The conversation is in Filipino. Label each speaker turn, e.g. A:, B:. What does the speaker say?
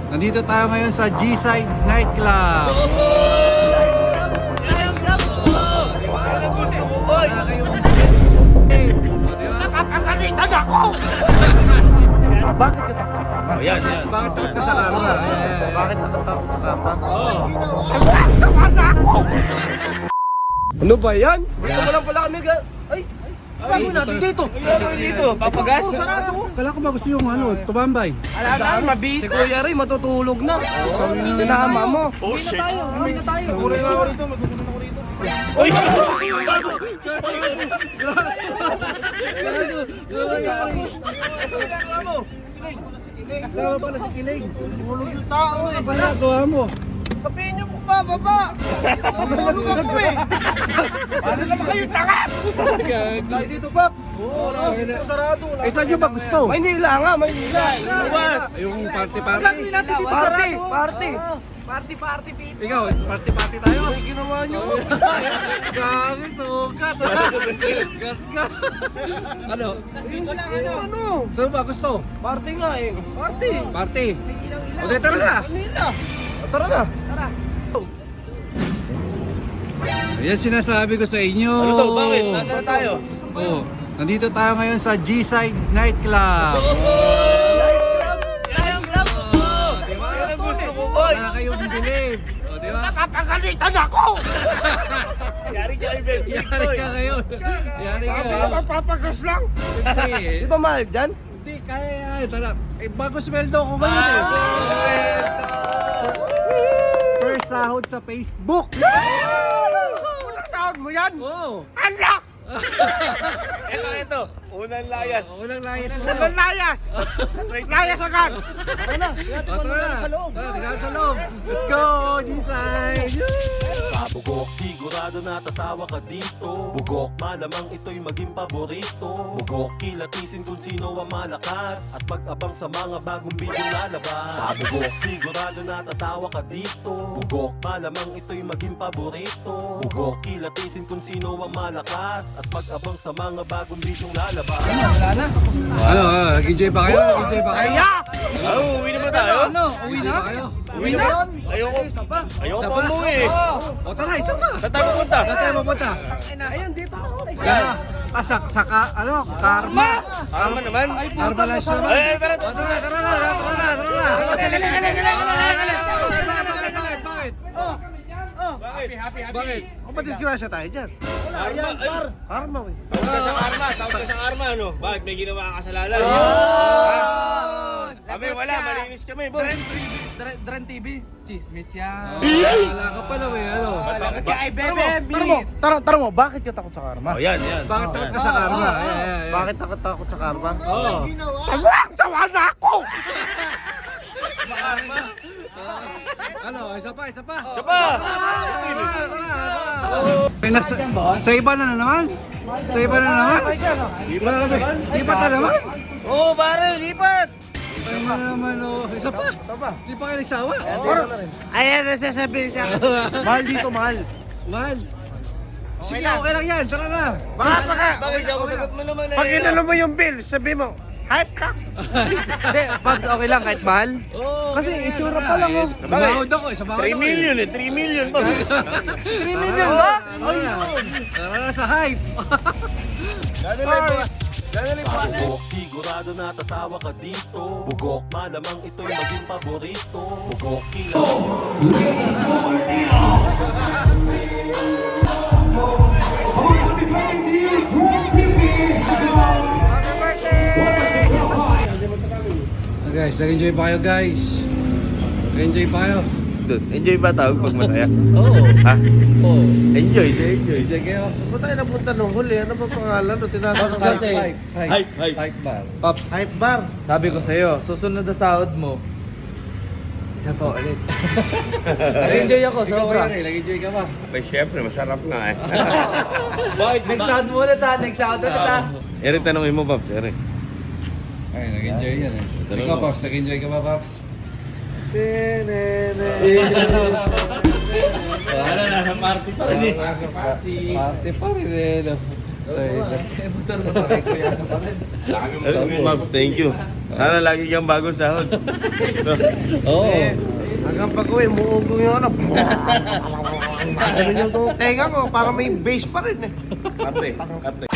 A: Nandito tayo ngayon sa G-Side Nightclub.
B: Nakapagalitan ako!
C: Bakit ka takot sa karma?
D: Oh, yan.
A: Bakit takot ka sa karma?
C: Bakit nakatakot sa karma?
B: Sawa na ako!
C: Ano ba yan? Dito mo lang pala kami Ay! Bago natin dito!
D: Dito, papagas.
C: Sarado!
A: Kala ko ba gusto yung tumambay?
C: Alam na, mabisa! Si Kuya Ray, matutulog na! Sinama mo!
D: Oh, shit.
C: Magurin ako rito, magugunan ako rito!
D: Uy!
A: Kasama pala si Kiling.
C: Tulog yung tao eh!
A: Pala, gawa mo.
C: Sabihin niyo po ba, baba! Tulog ako eh! Paano naman kayo tanga? Tayo dito, Pap! Oo, dito sarado!
A: Eh, saan nyo ba gusto?
C: Maynila nga, Maynila!
D: Luwas!
A: Yung party-party.
C: Gagawin natin dito party! Party! Party, people!
A: Ikaw, party-party tayo.
C: Ay, ginawa niyo!
A: Gagi, sukat. Gas ka. Ano?
C: Ano?
A: Saan ba gusto?
C: Party nga eh! Party!
A: Party. O, di, tara na.
C: Manila! Tara na! Tara!
A: Ayan sinasabi ko sa inyo.
D: Ano to? Bakit? Nandito na tayo.
A: Oh, nandito tayo ngayon sa G-Side Nightclub.
D: Yan ang gusto ko, boy.
A: Wala kayong bilib. O, di ba?
B: Nakapagalitan ako!
D: Yari ka, Iben.
A: Yari ka ngayon. Yari ka.
B: Sabi ka papagas lang!
A: Hindi.
C: Di ba mahal dyan?
A: Hindi, kaya yan. Tara. Eh, bago sweldo ko ngayon eh. First sahod sa Facebook.
B: Unang sahod mo yan!
A: Oo.
B: Anak!
D: Ito. Unang layas.
A: Unang layas mo.
B: Unang layas! Layas agad!
C: Tara na!
A: O, tara na.
C: sa loob!
A: Tara, tingnan sa loob. Let's go, G-Side.
E: Bugok, sigurado natatawa ka dito. Bugok, malamang ito'y maging paborito. Bugok, kilatisin kung sino ang malakas at mag-abang sa mga bagong video lalabas. Bugok, sigurado natatawa ka dito. Bugok, malamang ito'y maging paborito. Bugok, kilatisin kung sino ang malakas at mag-abang sa mga bagong video lalabas.
A: Ano, nag-enjoy ba kayo? Nag-enjoy ba kayo?
B: Kaya!
D: Uwi na ba tayo?
A: Uwi na kayo?
D: Uwi na? Ayoko. Ayoko pa umuwi eh.
A: O, tara, isa pa.
D: Saan tayo pupunta?
A: Saan tayo mapunta?
C: Ayun, dito ako!
A: Saka, karma.
D: Tama naman.
A: Karma lang siya.
D: Ay, tara.
A: O, tara na. Bakit? Bakit?
C: Ako ba disgrasya tayo dyan? Wala, yan, par! Karma eh!
D: Tawag ka sa karma, ano? Bakit may ginawa kang kasalanan? Kami wala, malinis kami, boss.
F: Dren TV, chismis yan.
A: Wala ka pala, may ano.
F: Kaya
C: Tara mo, bakit ka takot sa karma?
D: Oh, yan.
A: Bakit takot ka sa karma?
C: Bakit takot sa karma?
A: Oo.
B: Sawa na ako!
A: Ano, isa pa.
D: Siya pa!
A: Sa iba na naman? Sa iba na naman? Lipat na naman?
D: Oo, pare, lipat!
A: Ay na naman, oh. Isa pa? Di pa kayo nagsawa?
B: Ayan na sasabihin siya.
C: Mahal dito, mahal!
A: Mahal. Sige, okay lang yan. Tara na.
D: Bakit ako sagot mo naman eh?
C: Pag inalo mo yung bill, sabi mo, hype ka!
F: Hindi, Pags, okay lang kahit mahal.
A: Oo,
F: Kasi
A: okay,
F: itsura
A: okay
F: pa lang,
A: na.
F: oh.
A: Sa bahod ako, sa bahod
D: 3
A: ako.
D: million eh, 3 million, boss.
A: 3 million ba? Tara na sa hype.
E: Bugok, sigurado natatawa ka dito. Bugok, malamang ito'y maging paborito. Bugok, kilatisin.
A: Guys, nag-enjoy pa kayo guys. Nag-enjoy pa kayo.
D: Dude, enjoy ba tawag pag masaya?
A: Oo.
D: Ha?
A: Oo.
D: Enjoy, enjoy.
A: Enjoy kayo.
C: Ba't tayo napunta nung huli? Ano ba pangalan? O tinatanong
F: Kasi,
D: Hype.
A: Hype bar.
F: Paps,
C: Hype bar!
F: sabi ko sa'yo, susunod na sahod mo, isa pa ulit. Nag-enjoy ako,
A: Ikaw
F: sobra.
A: Kuya Ray, nag-enjoy ka ba?
D: Abay, syempre, masarap nga eh. Bakit?
F: Next sahod mo ulit ha, next sahod ulit ha.
D: Eric, tanongin mo, Pops, Eric.
A: Ay, nag-enjoy yan eh.
D: Tanong
A: Ikaw
D: mo.
A: Pops, nag-enjoy ka ba Pops?
D: Wala na, sa party pa rin eh.
A: Party pa rin eh. No? Ay,
F: Motor mo pa kay Kuya. Ano pa rin?
D: Pops, thank you. Sana lagi kang bagong sahod.
F: Oo.
C: Eh, hanggang pag-uwi, muugong yung ano. Ano yung tenga ko, para may base pa rin eh.
D: Kape, kape.